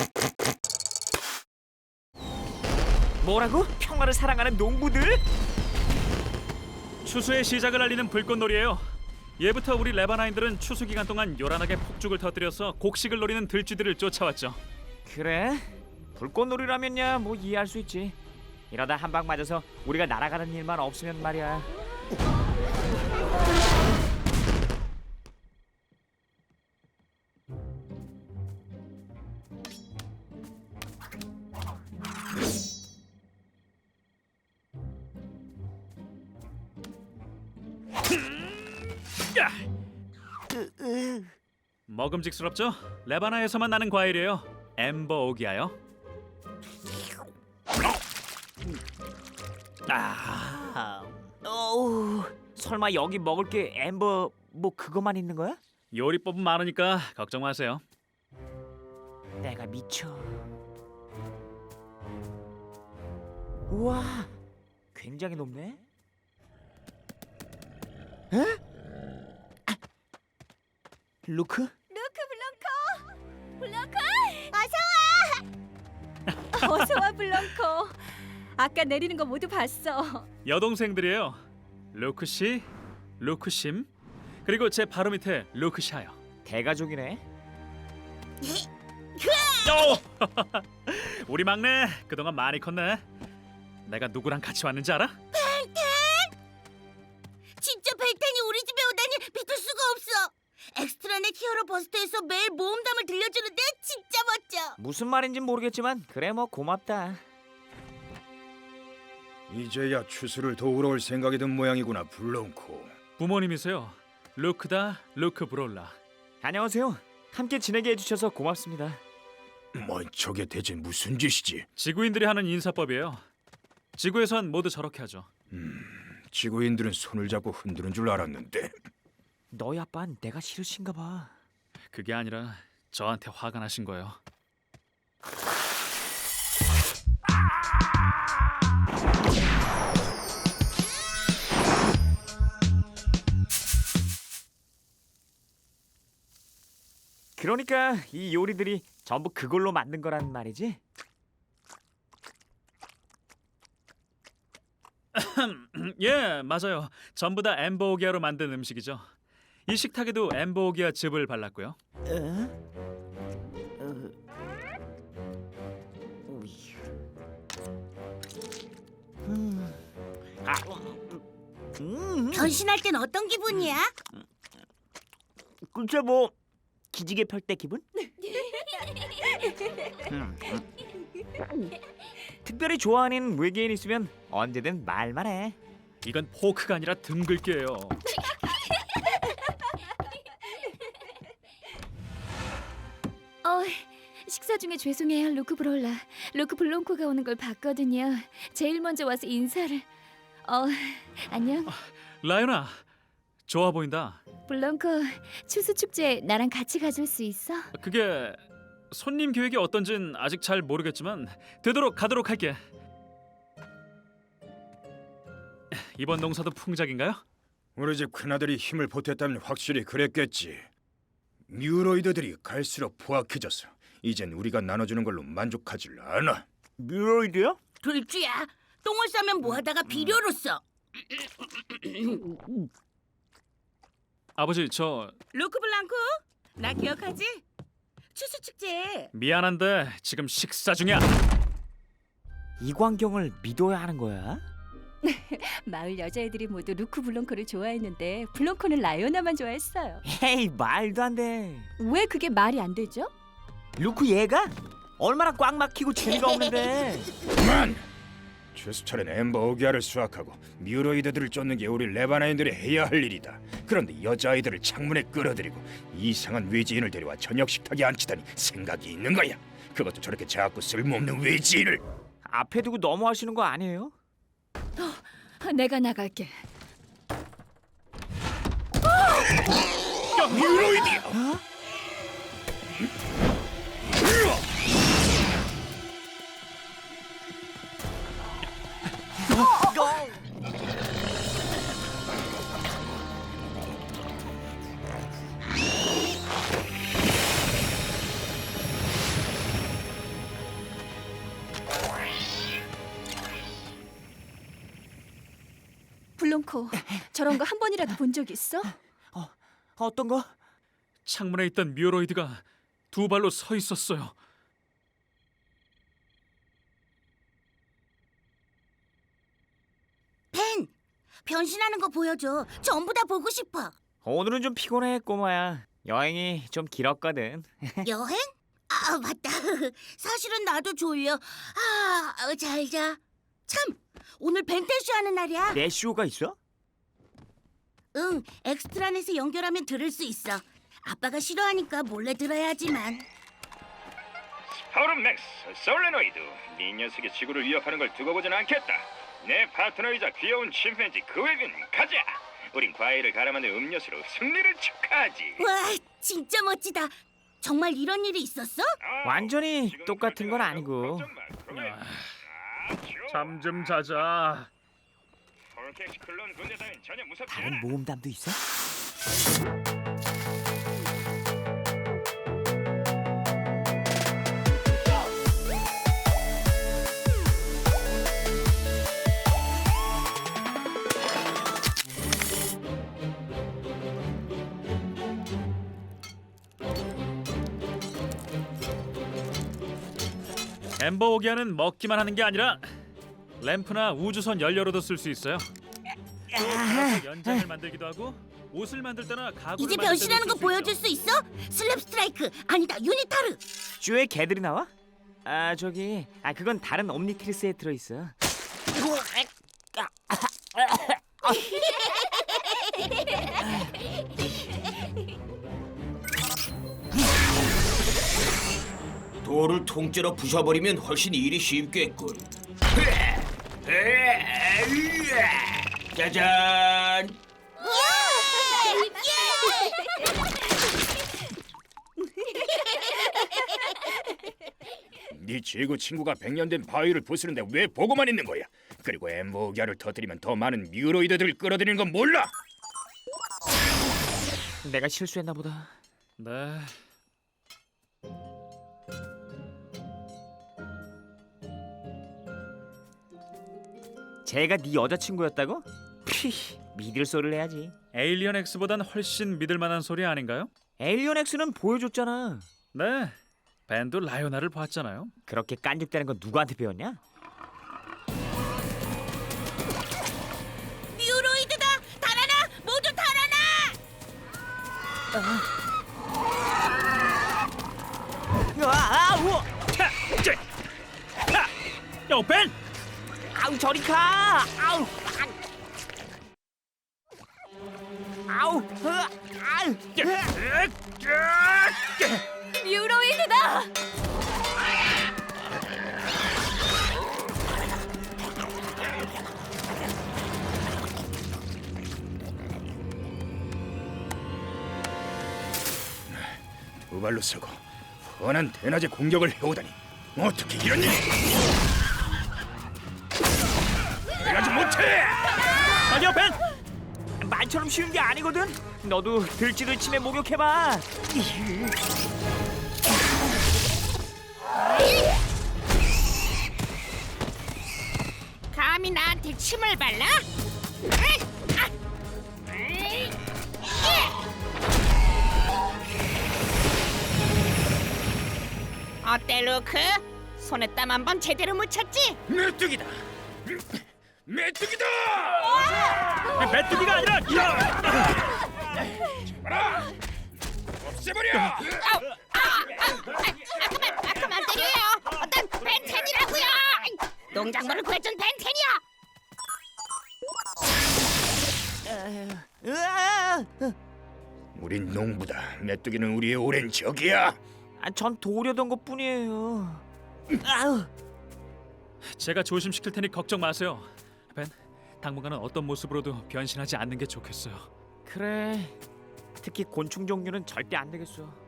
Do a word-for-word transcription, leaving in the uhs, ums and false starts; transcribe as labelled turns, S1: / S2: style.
S1: 뭐라고? 평화를 사랑하는 농부들?
S2: 추수의 시작을 알리는 불꽃놀이에요. 예부터 우리 레바나인들은 추수 기간 동안 요란하게 폭죽을 터뜨려서 곡식을 노리는 들쥐들을 쫓아왔죠.
S1: 그래? 불꽃놀이라면야 뭐 이해할 수 있지. 이러다 한 방 맞아서 우리가 날아가는 일만 없으면 말이야.
S2: 야! 먹음직스럽죠? 레바나에서만 나는 과일이에요. 엠버 오기아요.
S1: 아, 어우, 설마 여기 먹을 게 엠버 뭐 그거만 있는 거야?
S2: 요리법은 많으니까 걱정 마세요.
S1: 내가 미쳐. 우와, 굉장히 높네. 에? 아, 루크?
S3: 루크 블랑코! 블랑코! 어서 와! 어서 와 블랑코. 아까 내리는 거 모두 봤어.
S2: 여동생들이에요. 루크 씨, 루크 심, 그리고 제 바로 밑에 루크 샤요.
S1: 대가족이네.
S2: 오! 우리 막내 그동안 많이 컸네. 내가 누구랑 같이 왔는지 알아?
S4: 진짜 벨텐이 우리 집에 오다니 믿을 수가 없어. 엑스트라넷 히어로 버스터에서 매일 모험담을 들려주는데 진짜 멋져.
S1: 무슨 말인지 모르겠지만 그래 뭐 고맙다.
S5: 이제야 추수를 도우러 올 생각이 든 모양이구나, 블롱코.
S2: 부모님이세요. 루크다, 루크 브롤라.
S1: 안녕하세요. 함께 지내게 해주셔서 고맙습니다.
S5: 뭐 저게 대체 무슨 짓이지?
S2: 지구인들이 하는 인사법이에요. 지구에선 모두 저렇게 하죠.
S5: 지구인들은 손을 잡고 흔드는 줄 알았는데.
S1: 너희 아빠는 내가 싫으신가 봐.
S2: 그게 아니라 저한테 화가 나신 거예요.
S1: 그러니까 이 요리들이 전부 그걸로 만든 거란 말이지?
S2: 예, 맞아요. 전부 다 엠버오기아로 만든 음식이죠. 이 식탁에도 엠버오기아 즙을 발랐고요.
S4: 변신할 땐 어떤 기분이야?
S1: 글쎄 뭐 기지개 펼 때 기분? 특별히 좋아하는 외계인 있으면 언제든 말만 해.
S2: 이건 포크가 아니라 등글기예요.
S3: 어, 식사 중에 죄송해요 루크 브롤라. 루크 블랑코가 오는 걸 봤거든요. 제일 먼저 와서 인사를. 어, 안녕.
S2: 라연아, 좋아 보인다.
S3: 블랑코, 추수 축제 나랑 같이 가줄 수 있어?
S2: 그게 손님 계획이 어떤진 아직 잘 모르겠지만 되도록 가도록 할게. 이번 농사도 풍작인가요?
S5: 우리 집 큰아들이 힘을 보탰다면 확실히 그랬겠지. 뮤로이드들이 갈수록 포악해져서 이젠 우리가 나눠주는 걸로 만족하질 않아.
S1: 뮤로이드요?
S4: 들쥐야, 똥을 싸면 뭐하다가 비료로 써.
S2: 아버지, 저
S4: 루크 블랑코, 나 기억하지? 추수 축제.
S2: 미안한데 지금 식사 중이야.
S1: 이 광경을 믿어야 하는 거야?
S3: 마을 여자애들이 모두 루크 블랑코를 좋아했는데 블랑코는 라요나만 좋아했어요.
S1: 에이 말도 안 돼.
S3: 왜 그게 말이 안 되죠?
S1: 루크 얘가? 얼마나 꽉 막히고 재미가 없는데.
S5: 그만! 추수철엔 엠버 오기아를 수확하고 뮤로이드들을 쫓는 게 우리 레바나인들이 해야 할 일이다. 그런데 여자아이들을 창문에 끌어들이고 이상한 외지인을 데려와 저녁 식탁에 앉히다니 생각이 있는 거야. 그것도 저렇게 작고 쓸모없는 외지인을.
S1: 앞에 두고 너무하시는 거 아니에요?
S3: 내가 나갈게.
S5: 뮤로이드야!
S3: 블랑코, 저런 거 한 번이라도 본 적 있어?
S1: 어떤 거?
S2: 창문에 있던 뮤로이드가 두 발로 서 있었어요.
S4: 벤, 변신하는 거 보여줘. 전부 다 보고 싶어.
S1: 오늘은 좀 피곤해 꼬마야. 여행이 좀 길었거든.
S4: 여행? 아, 맞다. 사실은 나도 졸려. 아, 어, 잘 자. 참, 오늘 벤테쇼 하는 날이야.
S1: 내 쇼가 있어?
S4: 응, 엑스트라넷에 연결하면 들을 수 있어. 아빠가 싫어하니까 몰래 들어야지만.
S5: 스파우름 맥스, 솔레노이드. 네 녀석이 지구를 위협하는 걸 두고 보진 않겠다. 내 파트너이자 귀여운 침팬지 그웨빈 가자. 우린 과일을 갈아 만든 음료수로 승리를 축하하지.
S4: 와, 진짜 멋지다. 정말 이런 일이 있었어?
S1: 완전히
S5: 지금
S1: 똑같은 건 아니고.
S5: 걱정 마, 그웨빈. 아, 좋아.
S2: 잠 좀 자자.
S5: 폴켓 클론 군대 따윈 전혀 무섭지
S1: 다른
S5: 않아.
S1: 모험담도 있어?
S2: 엠버 오기아는 먹기만 하는 게 아니라 램프나 우주선 연료로도 쓸 수 있어요. 또 연장을 만들기도 하고 옷을 만들 때나 가구를
S4: 이제
S2: 만들 때도
S4: 변신하는 거
S2: 쓸수
S4: 보여줄
S2: 있죠.
S4: 수 있어? 슬랩 스트라이크, 아니다, 유니타르.
S1: 쇼에 개들이 나와? 아 저기 아 그건 다른 옴니트리스에 들어있어.
S6: 돌을 통째로 부숴버리면 훨씬 일이 쉽겠군. 짜잔!
S5: 네 지구 친구가 백 년 된 바위를 부수는데 왜 보고만 있는 거야? 그리고 엠버기아를 터뜨리면 더 많은 뮤로이드들을 끌어들이는 건 몰라?
S1: 내가 실수했나 보다.
S2: 네.
S1: 쟤가 네 여자친구였다고? 피 믿을 소리를 해야지.
S2: 에일리언 X보단 훨씬 믿을 만한 소리 아닌가요?
S1: 에일리언 X는 보여줬잖아.
S2: 네. 밴도 라요나를 봤잖아요.
S1: 그렇게 깐죽대는 건 누구한테 배웠냐?
S4: 뮤로이드다! 달아나! 모두 달아나!
S1: 아, 아우!
S2: 차! 째! 차! 요 밴!
S1: 아우 저리 가! 아우! 아우! 으아! 아우!
S3: 뮤로이드다!
S5: 두 발로 서고 훤한 대낮에 공격을 해오다니 어떻게 이런 일이? 그래가지 못해!
S2: 아니요 밴!
S1: 말처럼 쉬운 게 아니거든. 너도 들쥐를 치매 목욕해봐.
S4: 감히 나한테 침을 발라? 어때 루크? 손에 땀 한 번 제대로 묻혔지?
S5: 메뚜기다! 메뚜기다!
S2: 메뚜기가 아니라 야!
S5: 봐라! 없애버려!
S4: 아, 그만 때려요. 어떤 벤텐이라고요? 농작물을 구해준 벤텐이요.
S1: 으아!
S5: 우린 농부다. 메뚜기는 우리의 오랜 적이야.
S1: 아, 전 도우려던 것뿐이에요. 아우!
S2: 제가 조심시킬 테니 걱정 마세요. 벤, 당분간은 어떤 모습으로도 변신하지 않는 게 좋겠어요.
S1: 그래. 특히 곤충 종류는 절대 안 되겠어.